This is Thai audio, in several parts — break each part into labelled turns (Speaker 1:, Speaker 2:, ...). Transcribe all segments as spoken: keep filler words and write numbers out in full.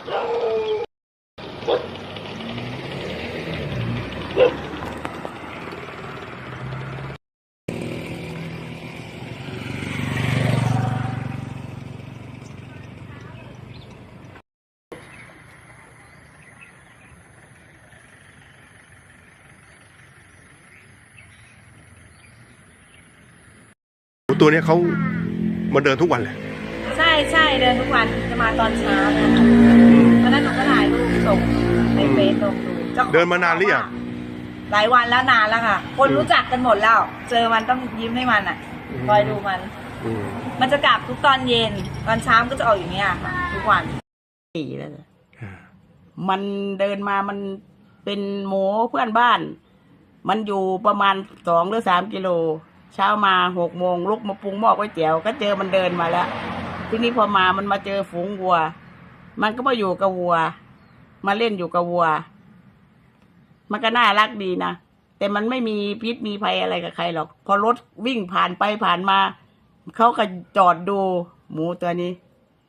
Speaker 1: ตัวนี้เขามาเดินทุกวันเลย
Speaker 2: ใช่ใช่เดินทุกวันจะมาตอนเช้านะคะตอนนั้นหนูก็ถ่ายรูปส่งในเฟซลงดู
Speaker 1: เดินมานานหรือยัง
Speaker 2: หลายวันแล้วนานแล้วค่ะคนรู้จักกันหมดแล้วเจอมันต้องยิ้มให้มันอ่ะคอยดูมันมันจะกลับทุกตอนเย็นตอนเช้าก็จะออกอย่างเงี้ยค่ะทุกวัน
Speaker 3: ปีแล้วมันเดินมามันเป็นหมูเพื่อนบ้านมันอยู่ประมาณสองหรือสามกิโลเช้ามาหกโมงลุกมาปรุงหม้อก๋วยเตี๋ยวก็เจอมันเดินมาแล้วทีนี้พอมามันมาเจอฝูงวัวมันก็มาอยู่กับวัวมาเล่นอยู่กับวัวมันก็น่ารักดีนะแต่มันไม่มีพิษมีภัยอะไรกับใครหรอกพอรถวิ่งผ่านไปผ่านมาเขาก็จอดดูหมูตัวนี้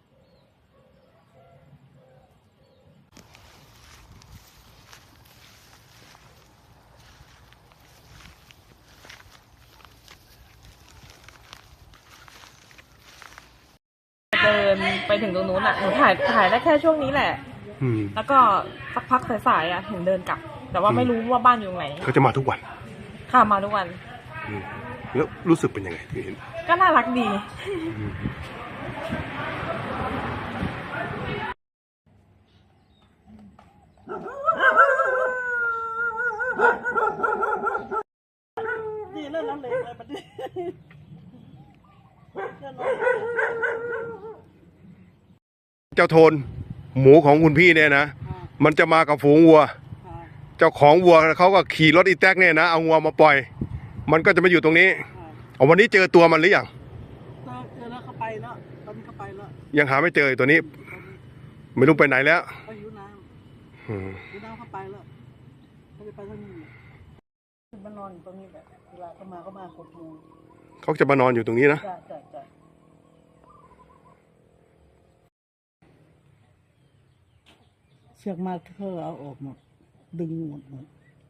Speaker 4: เดินไปถึงตรงนู้นอ่ะหนูถ่ายถ่ายได้แค่ช่วงนี้แหละแล้วก็สักพักสายๆอ่ะถึงเดินกลับแต่ว่าไม่รู้ว่าบ้านอยู่ไหน
Speaker 1: เขาจะมาทุกวัน
Speaker 4: ค่ะมาทุกวัน
Speaker 1: แล้วรู้สึกเป็นยังไงที่เห็น
Speaker 4: ก็น่ารักดี
Speaker 3: นี่เล่นน้ำเล็กเลยมันดิ
Speaker 1: เจ้าโทนหมูของคุณพี่เนี่ยนะมันจะมากับฝูงวัวเจ้าของวัวเขาก็ขี่รถอีแท็กเนี่ยนะเอาวัวมาปล่อยมันก็จะมาอยู่ตรงนี้เอาวันนี้เจอตัวมันหรือยัง
Speaker 3: เจอแล้วเขาไปแล้วตอนนี้เขาไปแล้ว
Speaker 1: ยังหาไม่เจอตัวนี้ไม่รู้ไปไหนแล้ว
Speaker 3: ไปอยู่น้ำอยู่น้ำเขาไปแล้วเขาจะไปทางนี้มานอนอยู่ตรงนี้แบบเวลาเขามาเขามาหกโมง
Speaker 1: เขาจะมานอนอยู่ตรงนี้นะ
Speaker 3: เชือกมาเธอเอาออกหมดดึงหมดหมด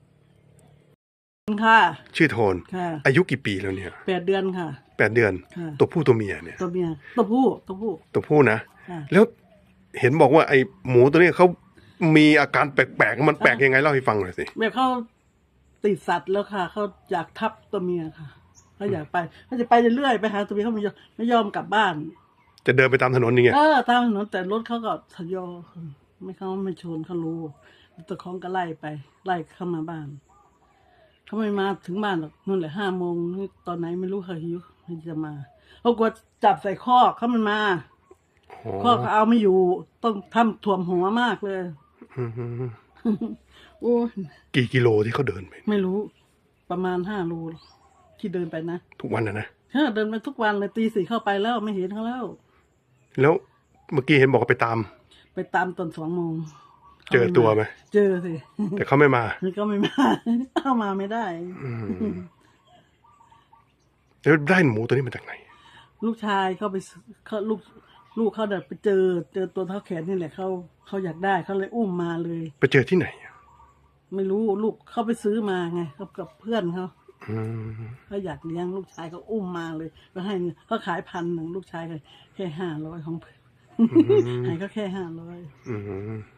Speaker 3: ค่ะ
Speaker 1: ชื่อโทนอายุกี่ปีแล้วเนี่ย
Speaker 3: แปดเดือนค่ะ
Speaker 1: แปดเดือนตัวผู้ตัวเมียเนี่ย
Speaker 3: ตัวเมียตัวผู้ตัวผู้
Speaker 1: ตัวผู้นะแล้วเห็นบอกว่าไอ้หมูตัวนี้เขามีอาการแปลกๆมันแปลกยังไงเล่าให้ฟังหน่อยสิ
Speaker 3: แบบเขาติดสัตว์แล้วค่ะเขาอยากทับตัวเมียค่ะเขาอยากไปเขาจะไปเรื่อยๆไปหาตัวเมียเขาไม่ยอมไม่ยอมกลับบ้าน
Speaker 1: จะเดินไปตามถนนนี่ไง
Speaker 3: เออตามถนนแต่รถเขาก็ทยอยไม่เขาไม่ชนเขารู้ตัวของก็ไล่ไปไล่เข้ามาบ้านเขาไม่มาถึงบ้านหรอกนู่นแหละห้าโมงตอนไหนไม่รู้เขาหิวเขาจะมาเขากลัวจับใส่คอกเขามันมาคอกเขาเอาไม่อยู่ต้องทำถ่วมหัวมากเลยโอ้
Speaker 1: กี่กิโลที่เขาเดินไป
Speaker 3: ไม่รู้ประมาณห้าโลที่เดินไปนะ
Speaker 1: ทุกวันนะนะ
Speaker 3: เออเดินไปทุกวันเลยตีสี่เข้าไปแล้วไม่เห็นเขาแล้ว
Speaker 1: แล้วเมื่อกี้เห็นบอกว่าไปตาม
Speaker 3: ไปตามตอนสองโมง
Speaker 1: เจอตัวไหม
Speaker 3: เจอสิ
Speaker 1: แต่เขาไม่มา
Speaker 3: ก็ไม่มาเข้ามาไม่ได้
Speaker 1: แล้วได้หมูตัวนี้มาจากไหน
Speaker 3: ลูกชายเขาไปเขาลูกลูกเขาเดินไปเจอเจอตัวเท้าแขนนี่แหละเขาเขาอยากได้เขาเลยอุ้มมาเลย
Speaker 1: ไปเจอที่ไหน
Speaker 3: ไม่รู้ลูกเขาไปซื้อมาไงกับกับเพื่อนเขาเขาอยากเลี้ยงลูกชายเขาอุ้มมาเลยก็ให้เขาขายพันหนึ่งลูกชายแค่ห้าร้อยของเพื่อนให้ก็แค่ห้าร้อย